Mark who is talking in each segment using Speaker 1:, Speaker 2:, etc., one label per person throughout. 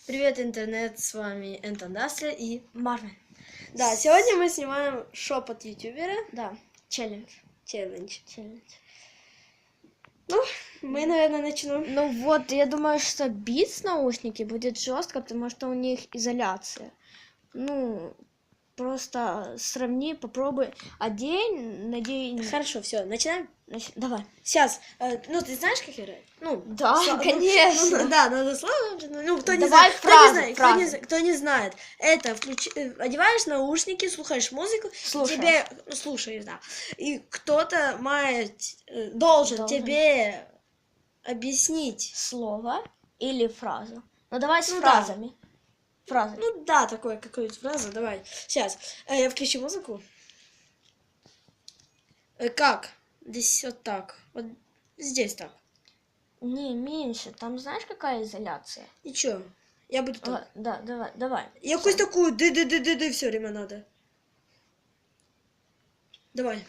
Speaker 1: Привет, интернет, с вами Энтон Дастля и
Speaker 2: Марвин.
Speaker 1: Да, сегодня мы снимаем шепот ютубера.
Speaker 2: Да, челлендж.
Speaker 1: Челлендж.
Speaker 2: Ну,
Speaker 1: Мы, наверное, начнем.
Speaker 2: ну вот, я думаю, что Beats наушники будет жестко, потому что у них изоляция. Ну, просто сравни, попробуй. Одень, надень.
Speaker 1: Хорошо, все, начинаем?
Speaker 2: Давай.
Speaker 1: Сейчас, ну ты знаешь, как играть? Ну,
Speaker 2: Да, конечно.
Speaker 1: Да, надо слово. Ну, кто не
Speaker 2: Давай
Speaker 1: знает,
Speaker 2: фразы.
Speaker 1: кто не знает, это одеваешь наушники, слушаешь музыку, тебе слушаешь, да. И кто-то должен тебе объяснить
Speaker 2: Слово или фразу. Ну, давай с
Speaker 1: Ну,
Speaker 2: фразами. Фразы.
Speaker 1: Ну да, такое какую-то фразу, давай. Сейчас, я включу музыку. Как? Здесь вот так. Вот здесь так.
Speaker 2: Не, меньше. Там знаешь, какая изоляция?
Speaker 1: Ничего, я буду так.
Speaker 2: Да, давай.
Speaker 1: Я какую-то такую ды все время надо. Давай.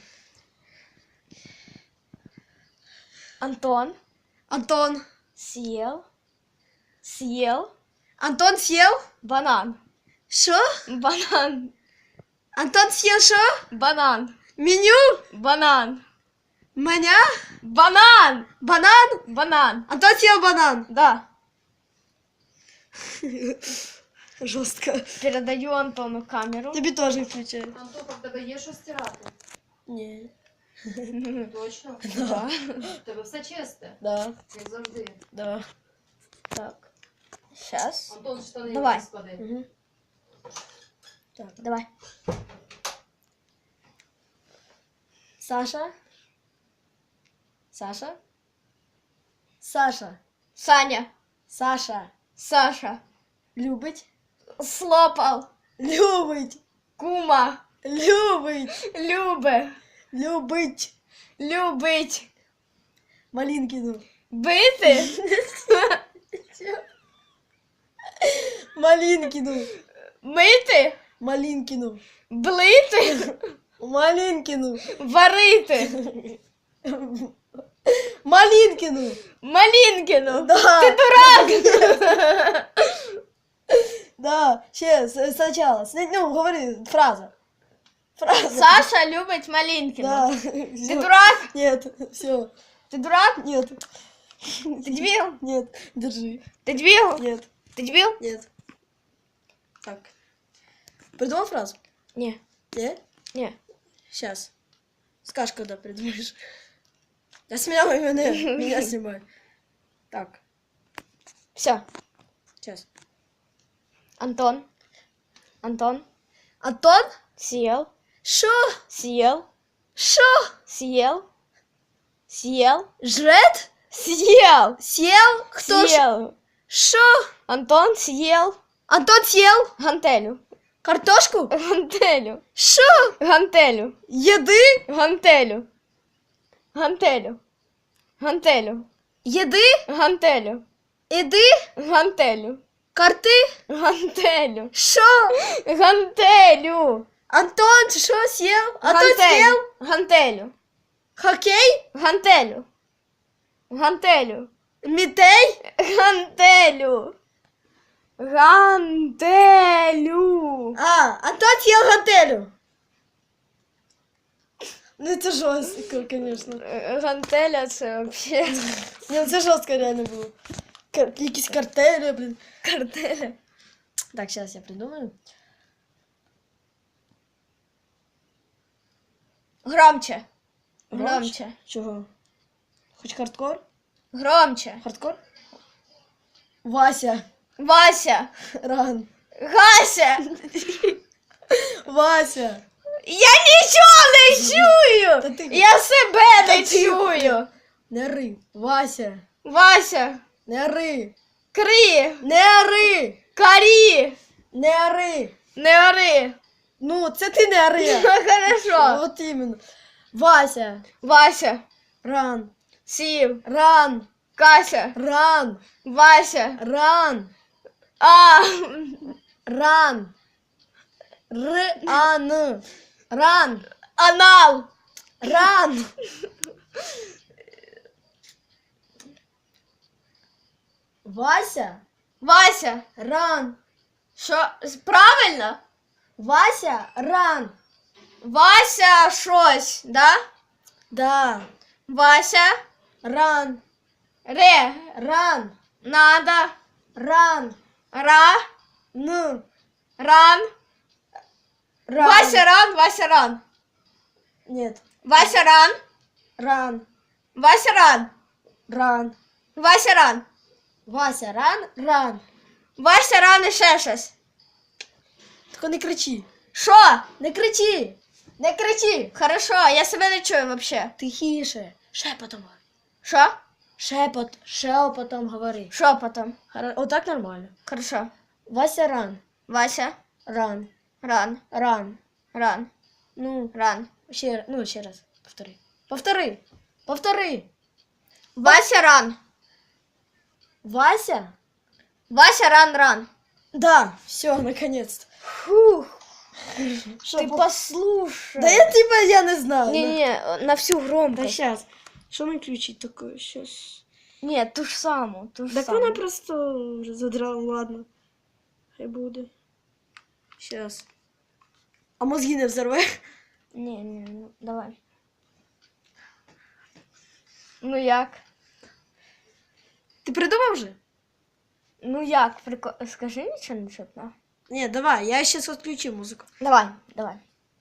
Speaker 2: Антон
Speaker 1: Съел.
Speaker 2: съел
Speaker 1: Антон съел?
Speaker 2: банан.
Speaker 1: Шо?
Speaker 2: Банан.
Speaker 1: Антон съел шо?
Speaker 2: Банан.
Speaker 1: Меню?
Speaker 2: Банан.
Speaker 1: Маня?
Speaker 2: Банан.
Speaker 1: Банан?
Speaker 2: Банан.
Speaker 1: Антон съел банан.
Speaker 2: Да.
Speaker 1: Жестко.
Speaker 2: Передаю Антону камеру.
Speaker 1: Тебе тоже включаю.
Speaker 3: Антон, в тебе є що стирати?
Speaker 1: Ні.
Speaker 3: Точно?
Speaker 2: Да.
Speaker 3: В тебе все чисте,
Speaker 1: Да.
Speaker 3: як завжди.
Speaker 1: Да.
Speaker 2: Так. Сейчас.
Speaker 3: Антон, штани
Speaker 2: Давай.
Speaker 3: склади.
Speaker 1: Угу. Так.
Speaker 2: Давай.
Speaker 1: Саша? Саша? Саша.
Speaker 2: Саня.
Speaker 1: Саша.
Speaker 2: Саша.
Speaker 1: Любить?
Speaker 2: Слопал.
Speaker 1: Любить.
Speaker 2: Кума.
Speaker 1: Любить.
Speaker 2: Любе.
Speaker 1: Любить.
Speaker 2: Любить.
Speaker 1: Малинкину.
Speaker 2: Бити.
Speaker 1: Малинкину.
Speaker 2: Мити.
Speaker 1: Малинкину.
Speaker 2: Блити.
Speaker 1: Малинкину.
Speaker 2: Варити.
Speaker 1: Малинкину.
Speaker 2: Малинкину.
Speaker 1: Да.
Speaker 2: Ты дурак.
Speaker 1: Да. Сейчас, сначала. Ну, говори, фраза. Фраза.
Speaker 2: Саша любит Малинкину.
Speaker 1: Да.
Speaker 2: Ты дурак?
Speaker 1: Нет, все.
Speaker 2: Ты дурак?
Speaker 1: Нет.
Speaker 2: Ты дебил?
Speaker 1: Нет. Держи.
Speaker 2: Ты дебил?
Speaker 1: Нет.
Speaker 2: Ты дебил?
Speaker 1: Нет. Так. Придумал фразу?
Speaker 2: Не.
Speaker 1: Нет?
Speaker 2: Не.
Speaker 1: Сейчас. Скажешь, когда придумаешь. Я снял именно. Меня снимай. Так.
Speaker 2: Все.
Speaker 1: Сейчас.
Speaker 2: Антон.
Speaker 1: Антон?
Speaker 2: Съел.
Speaker 1: Шо?
Speaker 2: Съел.
Speaker 1: Шо?
Speaker 2: Съел. Съел.
Speaker 1: Жрет?
Speaker 2: Съел.
Speaker 1: Съел? Кто?
Speaker 2: Съел.
Speaker 1: Шо?
Speaker 2: Антон съел.
Speaker 1: Антон съел?
Speaker 2: Гантелю.
Speaker 1: Картошку?
Speaker 2: Гантелю.
Speaker 1: Шо?
Speaker 2: Гантелю.
Speaker 1: Еды?
Speaker 2: Гантелю. Гантелю. Гантелю.
Speaker 1: Еды?
Speaker 2: Гантелю.
Speaker 1: Еды?
Speaker 2: Гантелю.
Speaker 1: Карты?
Speaker 2: Гантелю.
Speaker 1: Шо?
Speaker 2: Гантелю.
Speaker 1: Антон, шо съел? Антон съел?
Speaker 2: Гантелю.
Speaker 1: Хоккей?
Speaker 2: Гантелю. Гантелю.
Speaker 1: Митей?
Speaker 2: Гантелю. Гантелю.
Speaker 1: Антон съел гантелю. Ну это жестко, конечно.
Speaker 2: Гантеля це вообще
Speaker 1: Не, это жестко реально было. Якісь картели, блин.
Speaker 2: картеля.
Speaker 1: Так, сейчас я придумаю.
Speaker 2: Громче. Громче.
Speaker 1: Чего? Хоть хардкор?
Speaker 2: Громче.
Speaker 1: Хардкор? Вася.
Speaker 2: Вася.
Speaker 1: Ран.
Speaker 2: Гася.
Speaker 1: Вася.
Speaker 2: Я нічого не чую.
Speaker 1: Та ти-
Speaker 2: Я себе не
Speaker 1: Та ти-
Speaker 2: чую.
Speaker 1: Не ри. Вася.
Speaker 2: Вася.
Speaker 1: Не ри.
Speaker 2: Крі.
Speaker 1: Не ри.
Speaker 2: Карі.
Speaker 1: Не ри.
Speaker 2: Не ори.
Speaker 1: Ну, це ти не ри.
Speaker 2: Хорошо.
Speaker 1: Вот именно. Вася.
Speaker 2: Вася.
Speaker 1: Ран.
Speaker 2: Сів.
Speaker 1: Ран.
Speaker 2: Кася.
Speaker 1: Ран.
Speaker 2: Вася.
Speaker 1: Ран.
Speaker 2: А.
Speaker 1: Ран. Р-а-н. Ран.
Speaker 2: Анал.
Speaker 1: Ран. Вася.
Speaker 2: Вася.
Speaker 1: Ран.
Speaker 2: Що? Правильно?
Speaker 1: Вася, ран.
Speaker 2: Вася щось, да?
Speaker 1: Да.
Speaker 2: Вася.
Speaker 1: Ран.
Speaker 2: Ре.
Speaker 1: Ран.
Speaker 2: Надо.
Speaker 1: Ран.
Speaker 2: Ра.
Speaker 1: Н.
Speaker 2: Ран.
Speaker 1: Ран.
Speaker 2: Вася ран. Вася ран.
Speaker 1: Нет.
Speaker 2: Вася ран.
Speaker 1: Ран.
Speaker 2: Вася ран.
Speaker 1: Ран.
Speaker 2: Вася ран.
Speaker 1: Вася, ран. Ран.
Speaker 2: Вася ран і ще щось.
Speaker 1: Тільки не кричи.
Speaker 2: Що?
Speaker 1: Не кричи. Не кричи.
Speaker 2: Хорошо, я себе не чую вообще.
Speaker 1: Тихіше. Шепотом.
Speaker 2: Що?
Speaker 1: Шепотом говори.
Speaker 2: Що потом?
Speaker 1: Отак нормально.
Speaker 2: Хорошо.
Speaker 1: Вася, ран.
Speaker 2: Вася.
Speaker 1: Ран.
Speaker 2: Ран.
Speaker 1: Ран.
Speaker 2: Ран.
Speaker 1: Ну,
Speaker 2: Ран.
Speaker 1: ще раз. Повтори. Повтори.
Speaker 2: Вася ран.
Speaker 1: Вася?
Speaker 2: Вася ран ран.
Speaker 1: Да, все, наконец-то.
Speaker 2: Фух.
Speaker 1: Шо,
Speaker 2: Ты послушай.
Speaker 1: Да я не знаю.
Speaker 2: Не, на всю
Speaker 1: Да
Speaker 2: громкость.
Speaker 1: сейчас. Что наключить такое? Сейчас.
Speaker 2: Нет, ту ж саму, ту ж
Speaker 1: Так
Speaker 2: саму.
Speaker 1: вона просто вже задрала, ладно. Хай буде. Сейчас. А мозги не взорве?
Speaker 2: Не, ну давай. Ну як?
Speaker 1: Ти придумав вже?
Speaker 2: Ну як? Скажи нічого не чутно.
Speaker 1: Ні, давай, я сейчас отключу музику.
Speaker 2: Давай.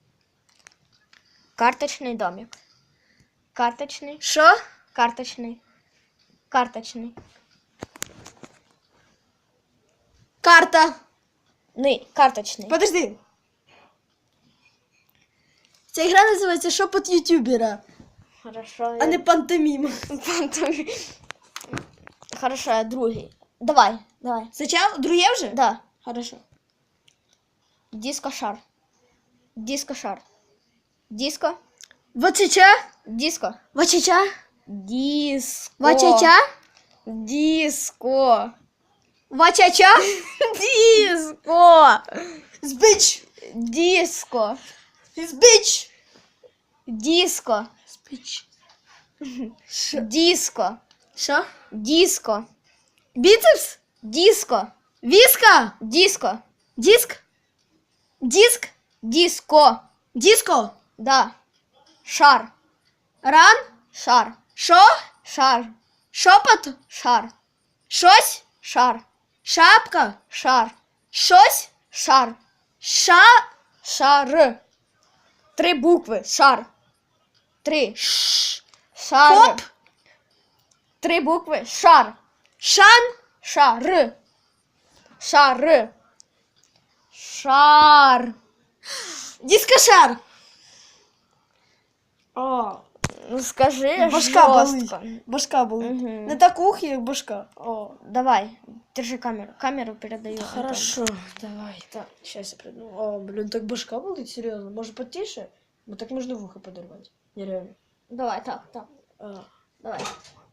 Speaker 2: Карточный домик. Карточный.
Speaker 1: Що?
Speaker 2: Карточный.
Speaker 1: Карта.
Speaker 2: Карточный.
Speaker 1: Подожди. Ця гра називається «Шепот ютубера»,
Speaker 2: Хорошо.
Speaker 1: а не пантомім.
Speaker 2: Хорошо, я другий. Давай.
Speaker 1: Спочатку? Друге вже?
Speaker 2: Да.
Speaker 1: Хорошо.
Speaker 2: Диско-шар. Диско.
Speaker 1: Вачача?
Speaker 2: Диско.
Speaker 1: Вачача?
Speaker 2: Диско.
Speaker 1: Вачача?
Speaker 2: Диско.
Speaker 1: Вачача?
Speaker 2: Диско.
Speaker 1: Збич.
Speaker 2: Диско.
Speaker 1: Збич.
Speaker 2: Диско.
Speaker 1: Збич.
Speaker 2: Диско.
Speaker 1: Що?
Speaker 2: Диско.
Speaker 1: Біцепс?
Speaker 2: Диско.
Speaker 1: Віска?
Speaker 2: Диско.
Speaker 1: Диск? Диск?
Speaker 2: Диско.
Speaker 1: Диско?
Speaker 2: Да. Шар.
Speaker 1: Ран?
Speaker 2: Шар.
Speaker 1: Що?
Speaker 2: Шар.
Speaker 1: Шопот?
Speaker 2: Шар.
Speaker 1: Щось?
Speaker 2: Шар.
Speaker 1: Шапка?
Speaker 2: Шар.
Speaker 1: Щось?
Speaker 2: Шар.
Speaker 1: Ша?
Speaker 2: Шар. 3 букви. Шар. 3.
Speaker 1: Ш.
Speaker 2: Шар.
Speaker 1: Поп?
Speaker 2: 3 букви. Шар.
Speaker 1: Шан?
Speaker 2: Шар. Шар. Шар.
Speaker 1: Дискошар? О,
Speaker 2: Ну скажи
Speaker 1: башка болить.
Speaker 2: жестко.
Speaker 1: Башка болить.
Speaker 2: Мгм.
Speaker 1: Не так ухи, як башка. О.
Speaker 2: Давай, держи камеру. Камеру передаю.
Speaker 1: Хорошо, давай. Так, сейчас я придумаю. О, блин, так башка болить, серьезно. Может, потише? Ну так можно в ухо подорвать. Нереально.
Speaker 2: Давай, так.
Speaker 1: А.
Speaker 2: Давай.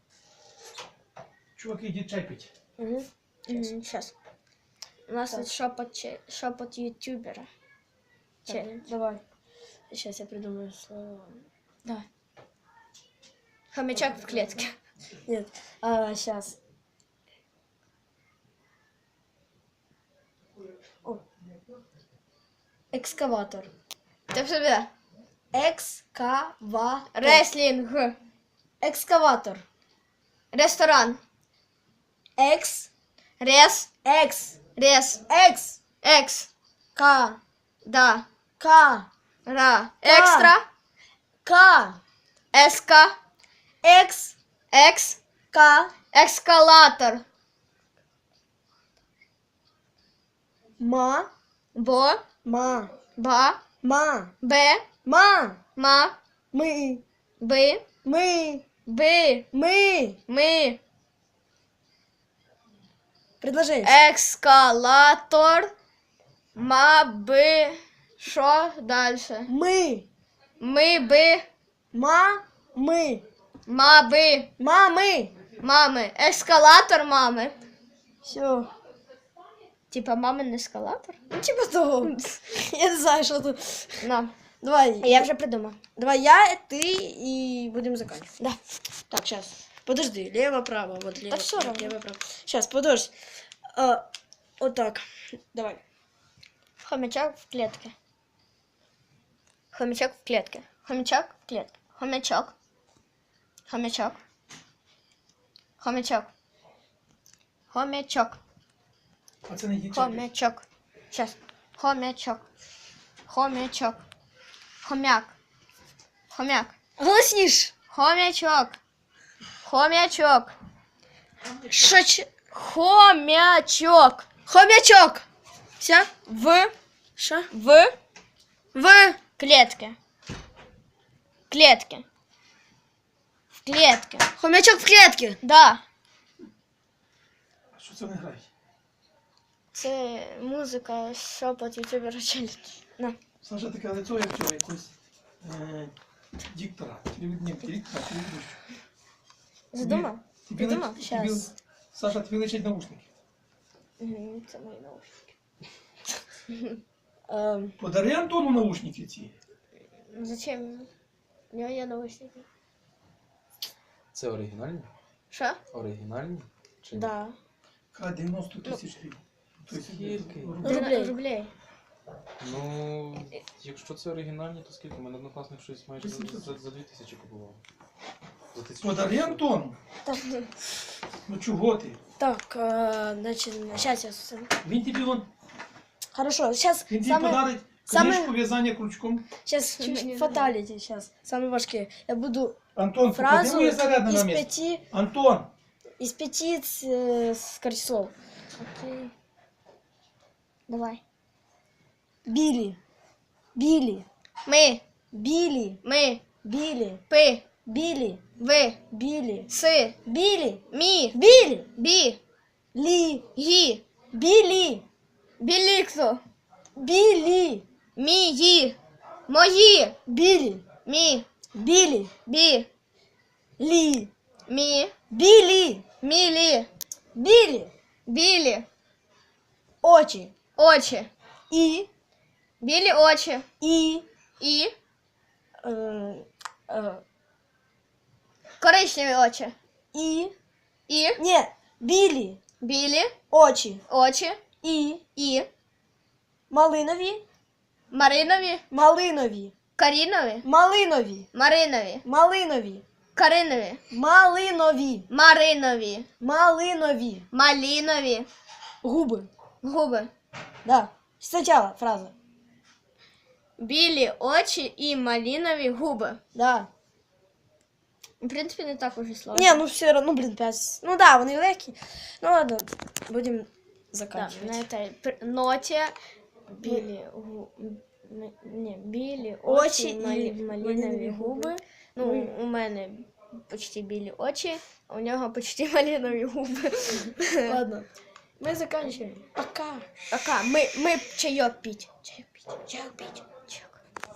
Speaker 4: Чуваки, йдіть чай пить.
Speaker 1: Угу.
Speaker 2: Сейчас. У нас
Speaker 1: Так.
Speaker 2: тут шепот ютубера. Челлендж.
Speaker 1: Давай. Сейчас я придумаю слова.
Speaker 2: Давай. Хомячок в клетке.
Speaker 1: Нет, сейчас. О. Экскаватор.
Speaker 2: Ты в себе.
Speaker 1: Экскаватор.
Speaker 2: Реслинг.
Speaker 1: Экскаватор.
Speaker 2: Ресторан.
Speaker 1: Экс.
Speaker 2: Рес.
Speaker 1: Экс.
Speaker 2: Рес.
Speaker 1: Экс.
Speaker 2: Экс.
Speaker 1: К.
Speaker 2: Да.
Speaker 1: К.
Speaker 2: Ра. Экстра.
Speaker 1: К.
Speaker 2: Эска.
Speaker 1: Экс.
Speaker 2: Экс.
Speaker 1: К.
Speaker 2: Эскалатор.
Speaker 1: Ма.
Speaker 2: Бо.
Speaker 1: Ма.
Speaker 2: Ба.
Speaker 1: Ма.
Speaker 2: Б.
Speaker 1: Ма.
Speaker 2: Ма.
Speaker 1: Мы.
Speaker 2: Бы.
Speaker 1: Мы.
Speaker 2: Бы.
Speaker 1: Мы.
Speaker 2: Мы.
Speaker 1: Предложение.
Speaker 2: Эскалатор. Ма. Бы. Что дальше?
Speaker 1: Мы.
Speaker 2: Мы бы.
Speaker 1: Ма. Мы.
Speaker 2: Ма бы.
Speaker 1: Мамы.
Speaker 2: Мамы. Эскалатор мамы.
Speaker 1: Все.
Speaker 2: Типа мамин эскалатор?
Speaker 1: Ну, типа того. Я не знаю, что тут.
Speaker 2: На.
Speaker 1: Давай.
Speaker 2: Я уже придумал.
Speaker 1: Давай я, ты и будем заканчивать.
Speaker 2: Да.
Speaker 1: Так, сейчас. Подожди. Лево, право. Вот лево.
Speaker 2: всё равно.
Speaker 1: Лево, право. Сейчас, подожди. Вот так. Давай.
Speaker 2: Хомячок в клетке. Хомячок в клетке. Хомячок в клетке. Хомячок. Хомячок. Хомячок. Хомячок.
Speaker 4: А це не є чек.
Speaker 2: Хомячок. Сейчас. Хомячок. Хомячок. Хомяк. Хомяк.
Speaker 1: Голосніш.
Speaker 2: Хомячок. Хомячок.
Speaker 1: Шоч...
Speaker 2: Хомячок.
Speaker 1: Хомячок. Все?
Speaker 2: В
Speaker 1: Що?
Speaker 2: в клетке. Клетке. В клетке.
Speaker 1: Хомячок в клетці.
Speaker 2: Да.
Speaker 4: А що це не грає?
Speaker 2: Це музика, шепот ютубера челлендж. На.
Speaker 4: Саша таке лицо, як цього якогось диктора. Диктора.
Speaker 2: Задумав? Задумав? Щас.
Speaker 4: Саша, тобі личать наушники.
Speaker 2: Це мої наушники.
Speaker 4: Подари Антону наушники ці.
Speaker 2: Зачем? У нього є наушники.
Speaker 5: Це оригінальні?
Speaker 2: Що?
Speaker 5: Оригінальні? Чи ні?
Speaker 2: Да.
Speaker 4: 90 тисяч гривень. Тобто,
Speaker 5: Скільки?
Speaker 2: Рублей.
Speaker 5: Ну, якщо це оригінальні, то скільки? У мене однокласник щось майже за 2000 купував. За 1000.
Speaker 4: Подари Антону. Ну чого ти?
Speaker 1: Так, значит, сейчас я...
Speaker 4: Він тобі вон,
Speaker 1: Хорошо, сейчас
Speaker 4: він тобі подарить книжку в'язання крючком.
Speaker 1: Сейчас чуть фаталити, сейчас. Самые важкие. Я буду
Speaker 4: Антон,
Speaker 1: фразу
Speaker 4: поклади моє зарядне на
Speaker 1: из
Speaker 4: місце.
Speaker 1: 5...
Speaker 4: Антон,
Speaker 1: Из 5 скорчслов.
Speaker 2: Окей. Давай.
Speaker 1: Били. Били.
Speaker 2: Ми.
Speaker 1: Били.
Speaker 2: Ми.
Speaker 1: Били.
Speaker 2: Пи.
Speaker 1: Били.
Speaker 2: Ви.
Speaker 1: Били.
Speaker 2: Си.
Speaker 1: Били.
Speaker 2: Мі.
Speaker 1: Били.
Speaker 2: Бі.
Speaker 1: Ли.
Speaker 2: Гі.
Speaker 1: Били.
Speaker 2: Біліксо.
Speaker 1: Били.
Speaker 2: Мії. Мої.
Speaker 1: Били.
Speaker 2: Мі.
Speaker 1: Били.
Speaker 2: Бі.
Speaker 1: Ли.
Speaker 2: Мі.
Speaker 1: Били.
Speaker 2: Мілі.
Speaker 1: Били.
Speaker 2: Білі.
Speaker 1: Очи.
Speaker 2: Очі.
Speaker 1: И.
Speaker 2: Білі очі.
Speaker 1: И.
Speaker 2: І.
Speaker 1: э,
Speaker 2: Коричневі очі.
Speaker 1: И.
Speaker 2: І.
Speaker 1: Не. Били.
Speaker 2: Білі
Speaker 1: Очи.
Speaker 2: очі.
Speaker 1: И.
Speaker 2: І.
Speaker 1: Малинові.
Speaker 2: Маринові.
Speaker 1: Малинові.
Speaker 2: Карінові.
Speaker 1: Малинові.
Speaker 2: Маринові.
Speaker 1: Малинові.
Speaker 2: Каринові.
Speaker 1: Малинові.
Speaker 2: Маринові.
Speaker 1: Малинові.
Speaker 2: Малінові.
Speaker 1: Губи.
Speaker 2: Губи.
Speaker 1: Да. Сначала фраза.
Speaker 2: Білі очі і малінові губи.
Speaker 1: Да.
Speaker 2: В принципі, не так уже сложно.
Speaker 1: Не, ну все равно, ну блин, 5. Ну да, вони легкі. Ну ладно, будем
Speaker 2: Да,
Speaker 1: заканчивать.
Speaker 2: на этой ноте білі не, білі
Speaker 1: Очі
Speaker 2: очі,
Speaker 1: і
Speaker 2: малінові
Speaker 1: малинові
Speaker 2: губи.
Speaker 1: губи.
Speaker 2: Ну,
Speaker 1: Ми-
Speaker 2: у мене почти білі очі, а у нього почти малинові губи.
Speaker 1: Ладно. Мы заканчиваем. Пока.
Speaker 2: Пока, ми чайок пить. Чайок пить.
Speaker 1: Чайок пить.